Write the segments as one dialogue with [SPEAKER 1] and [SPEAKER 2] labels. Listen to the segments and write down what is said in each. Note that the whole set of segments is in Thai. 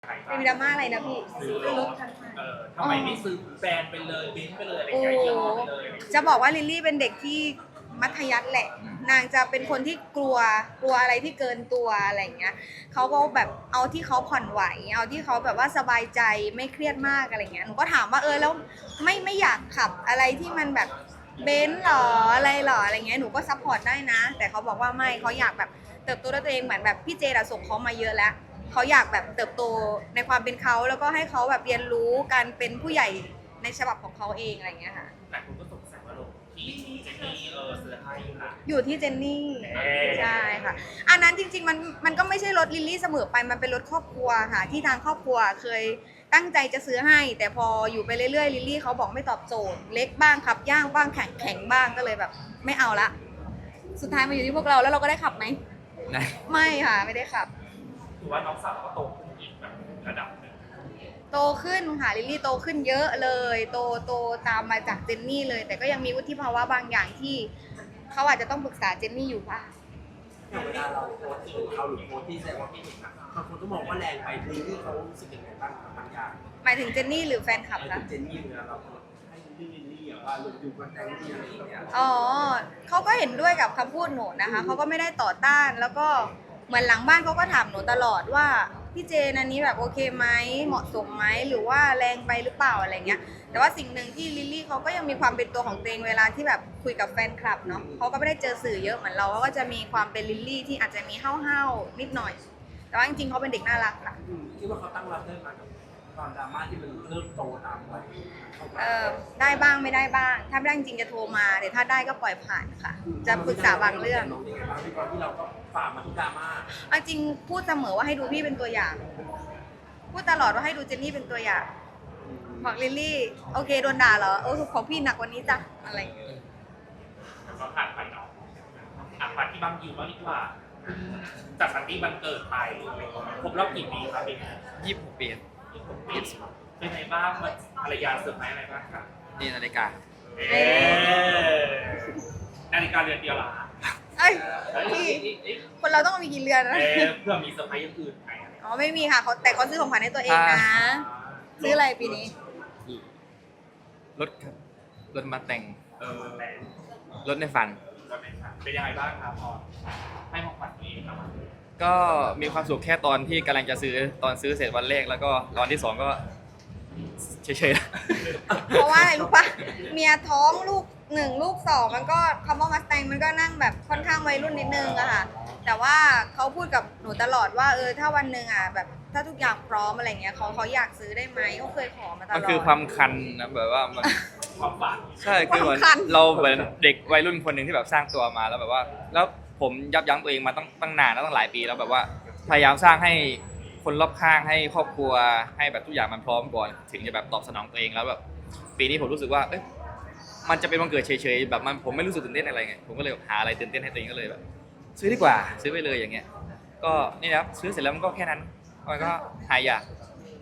[SPEAKER 1] เป็นดราม่าอะไรนะพี่
[SPEAKER 2] ซื้อรถทำไมไม่ซื้อแบรนด์ไปเลยเบนซ์ไปเลยอะไรอย่างเงี้ยยี่ห้อไปเลย
[SPEAKER 1] จะบอกว่าลิลลี่เป็นเด็กที่มัธยัสถ์แหละนางจะเป็นคนที่กลัวอะไรที่เกินตัวอะไรอย่างเงี้ยเขาก็แบบเอาที่เขาผ่อนไหวเอาที่เขาแบบว่าสบายใจไม่เครียดมากอะไรเงี้ยหนูก็ถามว่าแล้วไม่อยากขับอะไรที่มันแบบเบนซ์หรออะไรเงี้ยหนูก็ซัพพอร์ตได้นะแต่เขาบอกว่าไม่เขาอยากแบบเติบโตด้วยตัวเองเหมือนแบบพี่เจดส่งเขามาเยอะแล้วเขาอยากแบบเติบโตในความเป็นเขาแล้วก็ให้เขาแบบเรียนรู้การเป็นผู้ใหญ่ในฉบับของเขาเองอะไรเงี้ยค่ะ
[SPEAKER 2] แต่คุณก็สงสัยว่าลงที่เจนนี่ซื้อให้ค่ะ
[SPEAKER 1] อยู่ที่เจนนี่ใช่ค่ะอันนั้นจริงๆมันก็ไม่ใช่รถลิลลี่เสมอไปมันเป็นรถครอบครัวค่ะที่ทางครอบครัวเคยตั้งใจจะซื้อให้แต่พออยู่ไปเรื่อยๆลิลลี่เขาบอกไม่ตอบโจทย์เล็กบ้างขับย่างบ้างแข็งบ้างก็เลยแบบไม่เอาละสุดท้ายมาอยู่ที่พวกเราแล้วเราก็ได้ขับไหมไม่ค่ะไม่ได้ขับ
[SPEAKER 2] ถือว่าน้องสาวก็โตขึ้นอีกแบบระดับหนึ่ง
[SPEAKER 1] โตขึ้นค่ะลิลลี่โตขึ้นเยอะเลยโตตามมาจากเจนนี่เลยแต่ก็ยังมีวุฒิภาวะบางอย่างที่เขาอาจจะต้องปรึกษาเจนนี่อยู่ป่ะ
[SPEAKER 3] อย่างเวลาเราโพสต์ถึงเขาหรือโพสต์ที่แสดงว่าพี่เห็นนะบางคนก็มองว่าแรงไปลิลลี่เขารู้สึกยังไงบ้างบางอย่าง
[SPEAKER 1] หมายถึงเจนนี่หรือแฟนคลับคะ
[SPEAKER 3] เจนนี่เวลาเราให้ลิลลี่ว่าลงดูกันแต่งที่อะไรอย่างเงี้ย
[SPEAKER 1] อ๋อเขาก็เห็นด้วยกับคำพูดหนูนะคะเขาก็ไม่ได้ต่อต้านแล้วก็เหมือนหลังบ้านเขาก็ถามหนูตลอดว่าพี่เจนอันนี้แบบโอเคไหมเหมาะสมไหมหรือว่าแรงไปหรือเปล่าอะไรเงี้ยแต่ว่าสิ่งหนึ่งที่ลิลลี่เขาก็ยังมีความเป็นตัวของตัวเองเวลาที่แบบคุยกับแฟนคลับเนาะเขาก็ไม่ได้เจอสื่อเยอะเหมือนเราเขาก็จะมีความเป็นลิลลี่ที่อาจจะมีห้าวๆนิดหน่อยแต่ว่าจริงๆเขาเป็นเด็กน่ารักค่ะ
[SPEAKER 3] คิดว่าเขาตั้งรับได้ไหมกับตอนดราม่าที่มันเริ่มโตตามวัย
[SPEAKER 1] ได้บ้างไม่ได้บ้างถ้าไม่ได้จริงจะโทรมาแต่ถ้าได้ก็ปล่อยผ่านค่ะจะปรึกษาบางเรื่อง
[SPEAKER 3] ตอนที่เราก็ฝ่ามาทุกดราม่า
[SPEAKER 1] จริงพูดเสมอว่าให้ดูพี่เป็นตัวอย่างพูดตลอดว่าให้ดูเจนนี่เป็นตัวอย่างบอกลิลลี่โอเคโดนด่าเหรอของพี่หนักกว่านี้จ้ะอะไร
[SPEAKER 2] ก็ผ่านไปเนาะผ่านที่บางอยู่บ้างดีกว่าจากปาร์ตี้วันเกิดไปครบรอบกี่ปีครับพี่
[SPEAKER 4] 26 ปี
[SPEAKER 2] เป็นไงบ้างภรรยาเซอร์ไพรส์อะไรบ้างครับ
[SPEAKER 4] นี่นาฬิกา
[SPEAKER 2] นาฬิกาเรือนเดียวเหรอ
[SPEAKER 1] พี่คนเราต้องมีกี่เรือนนะ
[SPEAKER 2] เพื่อมีเซอร์ไพรส์อย่างอื่นไหม
[SPEAKER 1] ไม่มีค่ะแต่เขาซื้อของขวัญให้ตัวเองนะซื้ออะไรปีนี้
[SPEAKER 4] รถครับรถมาแต่งรถในฝัน
[SPEAKER 2] เป็นยังไงบ้างครับพอให้ของขวัญตัวเองครับ
[SPEAKER 4] ก็มีความสุขแค่ตอนที่กำลังจะซื้อตอนซื้อเสร็จวันแรกแล้วก็ตอนที่2ก็เฉย
[SPEAKER 1] ๆเพราะว่าอะไรรู้ปะเมียท้องลูก1ลูก2มันก็คำว่ามัสแตงมันก็นั่งแบบค่อนข้างวัยรุ่นนิดนึงอะค่ะแต่ว่าเขาพูดกับหนูตลอดว่าถ้าวันหนึ่งอะแบบถ้าทุกอย่างพร้อมอะไรเงี้ยเขาอยากซื้อได้ไหมเขาเคยขอมาตลอด
[SPEAKER 4] มันคือความคันนะแบบว่ามัน
[SPEAKER 2] ความฝัน
[SPEAKER 4] ใช่คือเหมือนเราเหมือนเด็กวัยรุ่นคนหนึ่งที่แบบสร้างตัวมาแล้วแบบว่าแล้วผมยับยั้งตัวเองมาตั้งนานแล้วตั้งหลายปีแล้วแบบว่าพยายามสร้างให้คนรอบข้างให้ครอบครัวให้แบบทุกอย่างมันพร้อมก่อนถึงจะแบบตอบสนองตัวเองแล้วแบบปีนี้ผมรู้สึกว่ามันจะเป็นวันเกิดเฉยๆแบบผมไม่รู้สึกตื่นเต้นอะไรไงผมก็เลยหาอะไรตื่นเต้นให้ตัวเองก็เลยแบบซื้อดีกว่าซื้อไปเลยอย่างเงี้ยก็นี่นะครับซื้อเสร็จแล้วมันก็แค่นั้นมันก็หายอยาก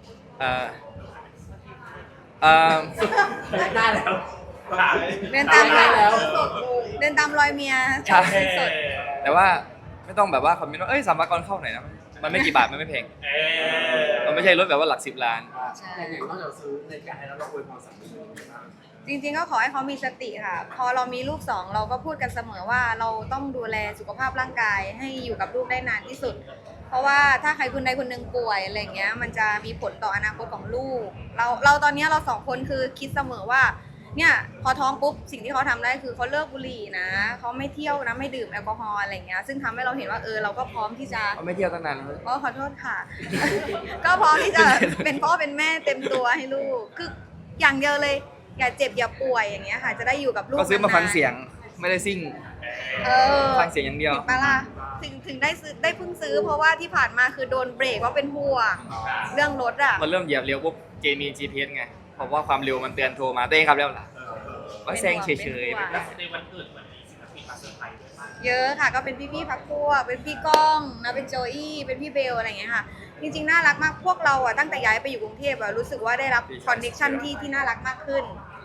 [SPEAKER 3] ได้แล้ว
[SPEAKER 1] เดินตามรอยเมีย
[SPEAKER 4] ใช่แต่ว่าไม่ต้องแบบว่าคอมเมนต์ว่าสัมภาระเข้าไหนนะมันไม่กี่บาทมันไม่แพงมันไม่ใช่รถแบบว่าหลัก10 ล้าน
[SPEAKER 3] แต่อย่างนอกจากซื้อในการให้เราอวยพรสามี
[SPEAKER 1] จริงๆก็ขอให้เขามีสติค่ะพอเรามีลูก2เราก็พูดกันเสมอว่าเราต้องดูแลสุขภาพร่างกายให้อยู่กับลูกได้นานที่สุดเพราะว่าถ้าใครคนใดคนหนึ่งป่วยอะไรเงี้ยมันจะมีผลต่ออนาคตของลูกเราตอนนี้เรา2คนคือคิดเสมอว่าเนี่ยพอท้องปุ๊บสิ่งที่เขาทำได้คือเขาเลิกบุหรี่นะเขาไม่เที่ยวนะไม่ดื่มแอลกอฮอล์อะไรเงี้ยซึ่งทำให้เราเห็นว่าเราก็พร้อมที่จะ
[SPEAKER 4] ไม่เที่ยวตั้งนาน
[SPEAKER 1] ขอโทษค่ะ ก็พร้อมที่จะเป็นพ่อเป็นแม่เต็มตัวให้ลูกคืออย่างเดียวเลยอย่าเจ็บอย่าป่วยอย่างเงี้ยค่ะจะได้อยู่กับลูก
[SPEAKER 4] ก็ซื้อมาฟังเสียงไม่ได้ซิ่งฟังเสียงอย่างเดียว
[SPEAKER 1] มาล่ะถึงได้เพิ่งซื้อเพราะว่าที่ผ่านมาคือโดนเบรกว่าเป็นห่วงเรื่องรถอ่ะ
[SPEAKER 4] มันเริ่มเหยียบเร็วปุ๊บเกมมี GPS ไงเพราะว่าความเร็วมันเตือนโทรมาเต้ครับแล้วล่ะว่าแซงเฉย
[SPEAKER 2] ๆแล้วในวันเกิดวันนี้ศิลปินมาเซอร์ไพรส์ด้วยมาก
[SPEAKER 1] เยอะค่ะก็เป็นพี่พักพวกเป็นพี่ก้องนะเป็นโจอี้เป็นพี่เบลอะไรอย่างเงี้ยค่ะจริงๆน่ารักมากพวกเราอ่ะตั้งแต่ย้ายไปอยู่กรุงเทพอ่ะรู้สึกว่าได้รับคอนเนคชั่นที่น่ารักมากขึ้น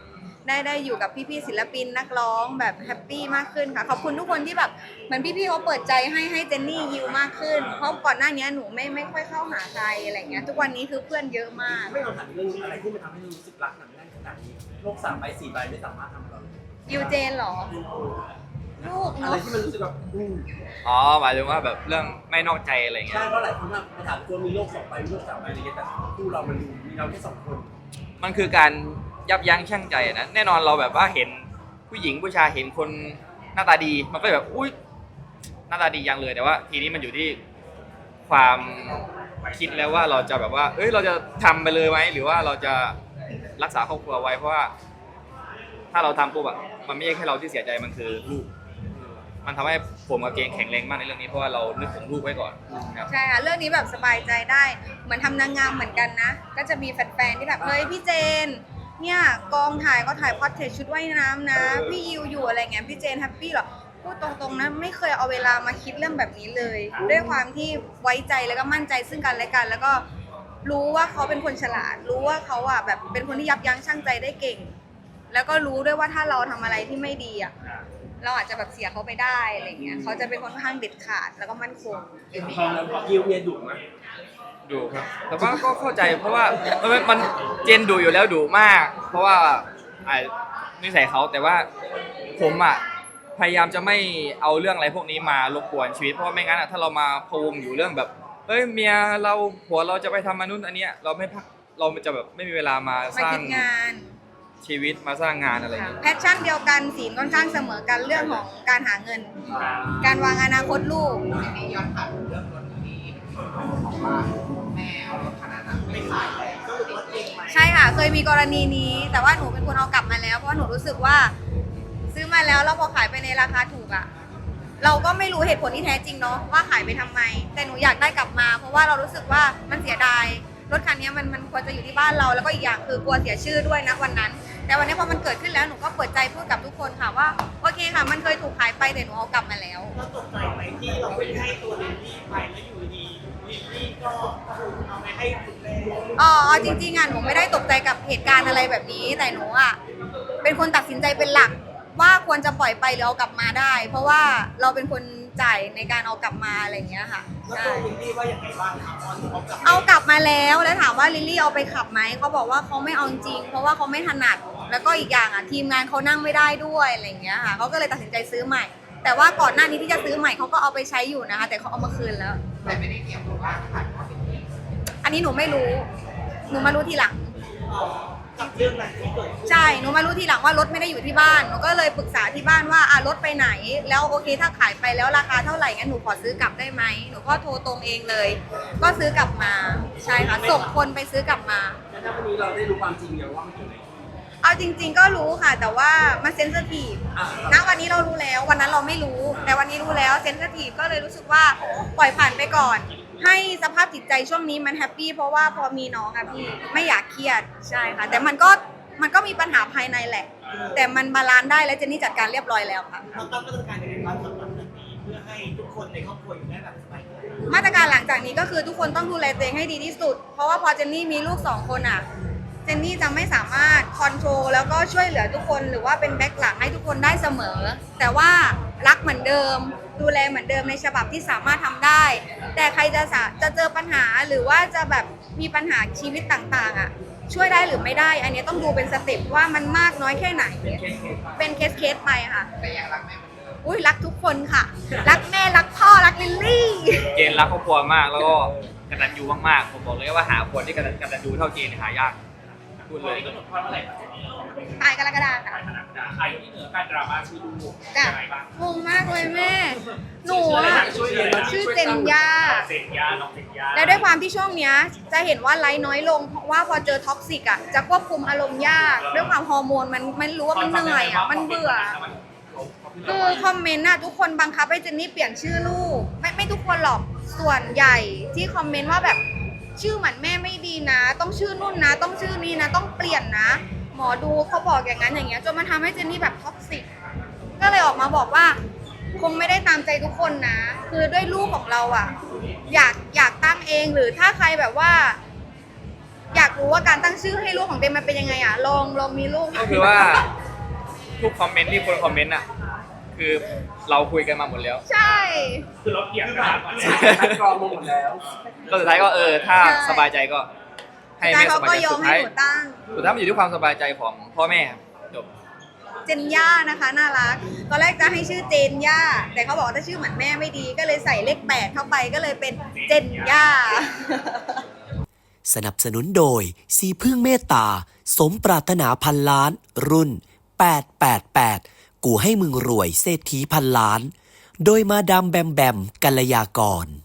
[SPEAKER 1] ได้อยู่กับพี่ๆศิลปินนักร้องแบบแฮปปี้มากขึ้นค่ะขอบคุณทุกคนที่แบบเหมือนพี่ๆเขาเปิดใจให้เจนนี่ยิวมากขึ้นเพราะก่อนหน้านี้หนูไม่ค่อยเข้าหาใครอะไรเงี้ยทุกวันนี้คือเพื่อนเยอะมาก
[SPEAKER 3] ไม่เราถามเรื่องอะไรที่มันทำให้เรารู้สึกรักหนักแน่นขนาดนี้โลก3 ใบ 4 ใบไม่สามารถทำเราเลย
[SPEAKER 1] ยิวเจนเหรอลูก
[SPEAKER 3] อะไร
[SPEAKER 1] เนาะ
[SPEAKER 3] ที่มันรู้สึกแบบ
[SPEAKER 4] อ๋อหมายถึงว่าแบบเรื่องไม่นอกใจอะไรเงี้
[SPEAKER 3] ใช่
[SPEAKER 4] ย
[SPEAKER 3] เพราะหลายคนมาถามตัวมีโลก2 ใบมีโลก3 ใบอะไรเงี้ยแต่คู่เรามันดูมีเราแค่2 คน
[SPEAKER 4] มันคือการยับยั้งชั่งใจนะแน่นอนเราแบบว่าเห็นผู้หญิงผู้ชายเห็นคนหน้าตาดีมันก็แบบอุ้ยหน้าตาดียังเลยแต่ว่าทีนี้มันอยู่ที่ความคิดแล้วว่าเราจะแบบว่าเอ้ยเราจะทำไปเลยไหมหรือว่าเราจะรักษาครอบครัวไว้เพราะว่าถ้าเราทำปุ๊บอะมันไม่ใช่แค่เราที่เสียใจมันคือลูกมันทำให้ผมกับเจนแข็งแรงมากในเรื่องนี้เพราะว่าเรานึกถึงลูกไว้ก่อนครับ
[SPEAKER 1] ใช่ค่ะเรื่องนี้แบบสบายใจได้เหมือนทำนางงามเหมือนกันนะก็จะมีแฟนๆที่แบบเฮ้ยพี่เจนเนี่ยกองถ่ายก็ถ่ายพอร์เทรตชุดว่ายน้ำนะพี่ยิวอยู่อะไรเงี้ยพี่เจนแฮปปี้เหรอพูดตรงๆนะไม่เคยเอาเวลามาคิดเรื่องแบบนี้เลย ด้วยความที่ไว้ใจแล้วก็มั่นใจซึ่งกันและกัน แล้วก็รู้ว่าเขาเป็นคนฉลาด รู้ว่าเขาอ่ะแบบเป็นคนที่ยับยั้งชั่งใจได้เก่ง แล้วก็รู้ด้วยว่าถ้าเราทำอะไรที่ไม่ดีอ่ะเราอาจจะแบบเสียเขาไปได้อะไรเงี้ยเขาจะเป็นคนค่อนข้างเด็ดขาดแล้วก็มั่นคง
[SPEAKER 3] พอแล้วพอยิวเนี่ยดุไหม
[SPEAKER 4] ดูครับแต่ว่าก็เข้าใจเพราะว่ามันเจนดูอยู่แล้วดูมาก เพราะว่านิสัยเขาแต่ว่าผมอ่ะพยายามจะไม่เอาเรื่องอะไรพวกนี้มารบกวนชีวิตเพราะว่าไม่งั้นอ่ะถ้าเรามาพะวงอยู่เรื่องแบบเอ้ยเมียเราผัวเราจะไปทำอันนู้นอันเนี้ยเราไม่พักเราจะแบบไม่มีเวลามาสร้าง
[SPEAKER 1] คิดงาน
[SPEAKER 4] ชีวิตมาสร้างงานอะไรอย่างเงี้ย
[SPEAKER 1] แพชชั่นเดียวกันศีลค่อนข้างเสมอกันเรื่องของการหาเงิน การวางอนาคตลูก
[SPEAKER 5] ย้อนถามเรื่องรถที่บอกว่าแม่เอารถคันนั้นไม่ขายแล้วก็รถเองไหม
[SPEAKER 1] ใช่ค่ะเคยมีกรณีนี้ แต่ว่าหนูเป็นคนเอากลับมาแล้วเพราะว่าหนูรู้สึกว่าซื้อมาแล้วพอขายไปในราคาถูกอะเราก็ไม่รู้เหตุผลที่แท้จริงเนาะว่าขายไปทำไม แต่หนูอยากได้กลับมา เพราะว่าเรารู้สึกว่ามันเสียดายรถคันนี้มันควรจะอยู่ที่บ้านเราแล้วก็อีกอย่างคือกลัวเสียชื่อด้วยนะวันนั้น แต่วันนี้พอมันเกิดขึ้นแล้วหนูก็เปิดใจพูดกับทุกคนค่ะว่าโอเคค่ะมันเคยถูกขายไปแต่หนูเอากลับมาแล้ว
[SPEAKER 5] เราตกใจไหมที่เราไปให้ตัวลิลลี่ไปแล้วอยู่ดีลิลลี่ก็เอาไปให้คุณแม่
[SPEAKER 1] อ๋อจริงๆอ่ะหนูไม่ได้ตกใจกับเหตุการณ์อะไรแบบนี้ แต่หนูอ่ะเป็นคนตัดสินใจเป็นหลักว่าควรจะปล่อยไปหรือเอากลับมาได้ เพราะว่าเราเป็นคนจ่ายในการเอากลับมาอะไรอย่างเงี้ยค่ะ
[SPEAKER 5] แล้ว
[SPEAKER 1] ใช่
[SPEAKER 5] ตัวลิลลี่ว่าอย่างไรบ้างครับตอนที่เขากลับ
[SPEAKER 1] เอากลับมาแล้วถามว่าลิลลี่เอาไปขับไหมเขาบอกว่าเขาไม่เอาจริงเพราะว่าเขาไม่ถนัดแล้วก็อีกอย่างอ่ะทีมงานเขานั่งไม่ได้ด้วยอะไรอย่างเงี้ยค่ะเขาก็เลยตัดสินใจซื้อใหม่ แต่ว่าก่อนหน้านี้ที่จะซื้อใหม่เขาก็เอาไปใช้อยู่นะคะแต่เขาเอามาคืนแล้ว
[SPEAKER 5] แต่ไม่ได้เกี่ยวกับว่าขายเพราะลิลลี่
[SPEAKER 1] อันนี้หนูไม่รู้หนูมารู้ทีหลัง
[SPEAKER 5] กับเรื่องนั้นที่เกิดขึ้น
[SPEAKER 1] ใช่ หนูมารู้ทีหลังว่ารถไม่ได้อยู่ที่บ้าน หนูก็เลยปรึกษาที่บ้านว่ารถไปไหน แล้วโอเคถ้าขายไปแล้วราคาเท่าไหร่งั้นหนูขอซื้อกลับได้ไหม หนูก็โทรตรงเองเลย ก็ซื้อกลับมา ใช่ค่ะ ส่งคนไปซื้อกลับมา
[SPEAKER 3] แล้วถ้าวันนี้เราได้รู้ความจริงอย่างว่ามันเกิดอะไรขึ้น
[SPEAKER 1] เอาจริง ๆ ก็รู้ค่ะ แต่ว่ามันเซนซิทีฟ
[SPEAKER 3] อ่ะ
[SPEAKER 1] ณวันนี้เรารู้แล้ว วันนั้นเราไม่รู้ แต่วันนี้รู้แล้วเซนซิทีฟก็เลยรู้สึกว่าปล่อยผ่านไปก่อน ให้สภาพจิตใจช่วงนี้มันแฮปปี้เพราะว่าพอมีน้องอะพี่ไม่อยากเครียด ใช่ค่ะ แต่มันก็มีปัญหาภายในแหละ แต่มันบาลานซ์ได้และเจนนี่จัดการเรียบร้อยแล้วค่ะ
[SPEAKER 5] เราตั้งมาตรการในการทำแบบนี้เพื่อให้ทุกคนในครอบครัวอยู่ได้แบบสบายใจ
[SPEAKER 1] มาตรการหลังจากนี้ก็คือทุกคนต้องดูแลตัวเองให้ดีที่สุด เพราะว่าพอเจนนี่มีลูก2 คนอ่ะ เจนนี่จะไม่สามารถคอนโทรลแล้วก็ช่วยเหลือทุกคนหรือว่าเป็นแบ็คหลังให้ทุกคนได้เสมอ แต่ว่ารักเหมือนเดิม ดูแลเหมือนเดิมในฉบับที่สามารถทำได้ แต่ใครจะเจอปัญหาหรือว่าจะแบบมีปัญหาชีวิตต่างๆอ่ะช่วยได้หรือไม่ได้ อันนี้ต้องดูเป็นสเต็ปว่ามันมากน้อยแค่ไหน เป็นเคสไปค่ะ
[SPEAKER 5] แต่ยังรักแม่เหมือนเดิม
[SPEAKER 1] อุ้ยรักทุกคนค่ะ รักแม่รักพ่อรักลิลลี่
[SPEAKER 4] เจนรักครอบครัวมากแล้วก็กตัญญูมากๆผมบอกเลยว่าหาคนที่กตัญญูเท่าเจนเนี่ยหายากพูด
[SPEAKER 2] เล
[SPEAKER 4] เลย ย
[SPEAKER 2] ก็หมดความเมื่อไหร่ครับ
[SPEAKER 1] ตายกรกฎาคม
[SPEAKER 2] ขาย
[SPEAKER 1] ค่ะ
[SPEAKER 2] ขนาดนั้นใครที่เหนือการดราม่าชื่อลูก
[SPEAKER 1] จ้ะ
[SPEAKER 2] ยังไงบ้าง
[SPEAKER 1] งงมากเลยแม่ หนู
[SPEAKER 2] ชื่ออะไร
[SPEAKER 1] อะ
[SPEAKER 2] นะชื่ออะไรนะ
[SPEAKER 1] ชื่อเจนยา
[SPEAKER 2] เซนยาน้องเซนยา
[SPEAKER 1] และด้วยความที่ช่วงเนี้ยจะเห็นว่าไลฟ์น้อยลงเพราะว่าพอเจอท็อกซิกอ่ะจะควบคุมอารมณ์ยาก ด้วยความฮอร์โมนมันไม่รู้ว่ามันเหนื่อยอ่ะมันเบื่อ คือคอมเมนต์น่ะทุกคนบังคับให้เจนนี่เปลี่ยนชื่อลูกไม่ทุกคนหรอกส่วนใหญ่ที่คอมเมนต์ว่าแบบชื่อเหมือนแม่ไม่ดีนะ ต้องชื่อนุ่นนะ ต้องชื่อนี้นะ ต้องเปลี่ยนนะ หมอดูเขาบอกอย่างนั้นอย่างเงี้ยจนมันทำให้เจนนี่แบบท็อกซิกก็เลยออกมาบอกว่า คงไม่ได้ตามใจทุกคนนะ คือด้วยลูกของเราอ่ะอยากตั้งเองหรือถ้าใครแบบว่า อยากรู้ว่าการตั้งชื่อให้ลูกของเต็มมันเป็นยังไงอ่ะลองมีลูก
[SPEAKER 4] ก็คือว่าทุกคอมเมนต์ที่คนคอมเมนต์อ่ะคือเราคุยกันมาหมดแล้ว
[SPEAKER 1] ใช่
[SPEAKER 2] คือเราเถียงกันมาก่อน
[SPEAKER 3] คัดกรองมาหมดแล้ว
[SPEAKER 4] ก็สุดท้ายก็ถ้าสบายใจก็ให้
[SPEAKER 1] สุดท้าย
[SPEAKER 4] แม่
[SPEAKER 1] เขา
[SPEAKER 4] สบา
[SPEAKER 1] ก็
[SPEAKER 4] ยใจ
[SPEAKER 1] ยอ
[SPEAKER 4] สุ
[SPEAKER 1] ม
[SPEAKER 4] ด
[SPEAKER 1] ให้
[SPEAKER 4] ท้าย
[SPEAKER 1] หนูตั้ง
[SPEAKER 4] สุดท้ายมันอยู่ที่ความสบายใจของพ่อแม่ครับจบ
[SPEAKER 1] เจนย่านะคะน่ารักตอนแรกจะให้ชื่อเจนย่าแต่เขาบอกว่าถ้าชื่อเหมือนแม่ไม่ดีก็เลยใส่เลข8เข้าไปก็เลยเป็นเจนย่า
[SPEAKER 6] สนับสนุนโดยสีพึ่งเมตตา สมปรารถนาพันล้าน รุ่น 888 กูให้มึงรวยเศรษฐีพันล้าน โดยมาดามแบมแบมกัลยากร